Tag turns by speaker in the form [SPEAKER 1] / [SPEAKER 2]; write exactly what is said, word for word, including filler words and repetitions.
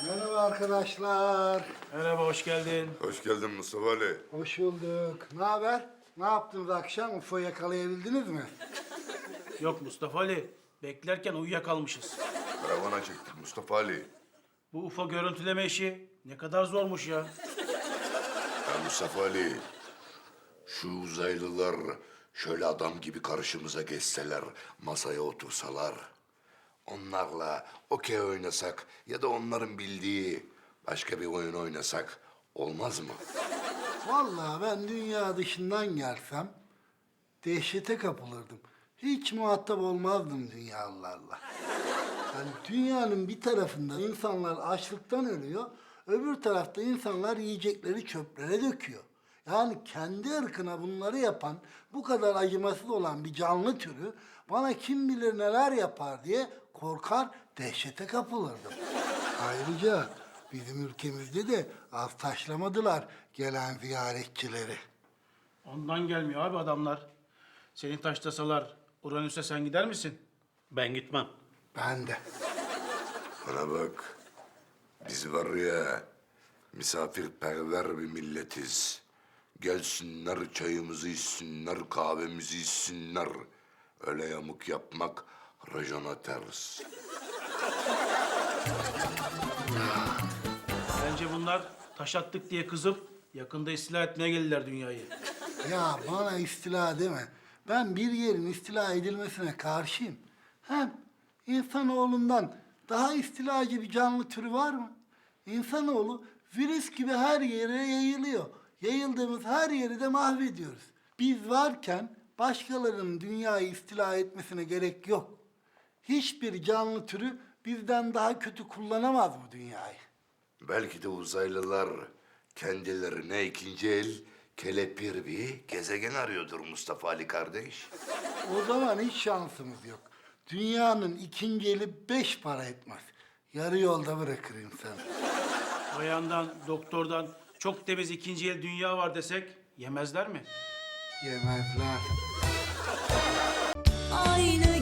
[SPEAKER 1] Merhaba arkadaşlar.
[SPEAKER 2] Merhaba, hoş geldin.
[SPEAKER 3] Hoş geldin Mustafa Ali.
[SPEAKER 1] Hoş bulduk. Ne haber? Ne yaptınız akşam? U F O yakalayabildiniz mi?
[SPEAKER 2] Yok Mustafa Ali, beklerken uyuyakalmışız.
[SPEAKER 3] Karavana çıktık Mustafa Ali.
[SPEAKER 2] Bu U F O görüntüleme işi ne kadar zormuş ya.
[SPEAKER 3] Ya Mustafa Ali, şu uzaylılar şöyle adam gibi karşımıza geçseler, masaya otursalar, onlarla okey oynasak ya da onların bildiği başka bir oyun oynasak olmaz mı?
[SPEAKER 1] Vallahi ben dünya dışından gelsem dehşete kapılırdım. Hiç muhatap olmazdım dünyalılarla. Yani dünyanın bir tarafında insanlar açlıktan ölüyor, öbür tarafta insanlar yiyecekleri çöplere döküyor. Yani kendi ırkına bunları yapan, bu kadar acımasız olan bir canlı türü bana kim bilir neler yapar diye korkar, dehşete kapılırdım. Ayrıca bizim ülkemizde de az taşlamadılar gelen ziyaretçileri.
[SPEAKER 2] Ondan gelmiyor abi adamlar. Seni taşlasalar Uranüs'e sen gider misin?
[SPEAKER 4] Ben gitmem.
[SPEAKER 1] Ben de.
[SPEAKER 3] Bana bak, biz var ya misafirperver bir milletiz. Gelsinler çayımızı içsinler, kahvemizi içsinler. Öyle yamuk yapmak rajona ters.
[SPEAKER 2] Bence bunlar taş attık diye kızıp yakında istila etmeye gelirler dünyayı.
[SPEAKER 1] Ya bana istila deme. Ben bir yerin istila edilmesine karşıyım. Hem insanoğlundan daha istilacı bir canlı türü var mı? İnsanoğlu virüs gibi her yere yayılıyor. Yayıldığımız her yeri de mahvediyoruz. Biz varken başkalarının dünyayı istila etmesine gerek yok. Hiçbir canlı türü bizden daha kötü kullanamaz bu dünyayı.
[SPEAKER 3] Belki de uzaylılar kendilerine ikinci el kelepir bir gezegen arıyordur Mustafa Ali kardeş.
[SPEAKER 1] O zaman hiç şansımız yok. Dünyanın ikinci eli beş para etmez. Yarı yolda bırakır insanı.
[SPEAKER 2] Ayağından, doktordan çok temiz ikinci el dünya var desek yemezler mi?
[SPEAKER 1] Yemezler.
[SPEAKER 5] Aynı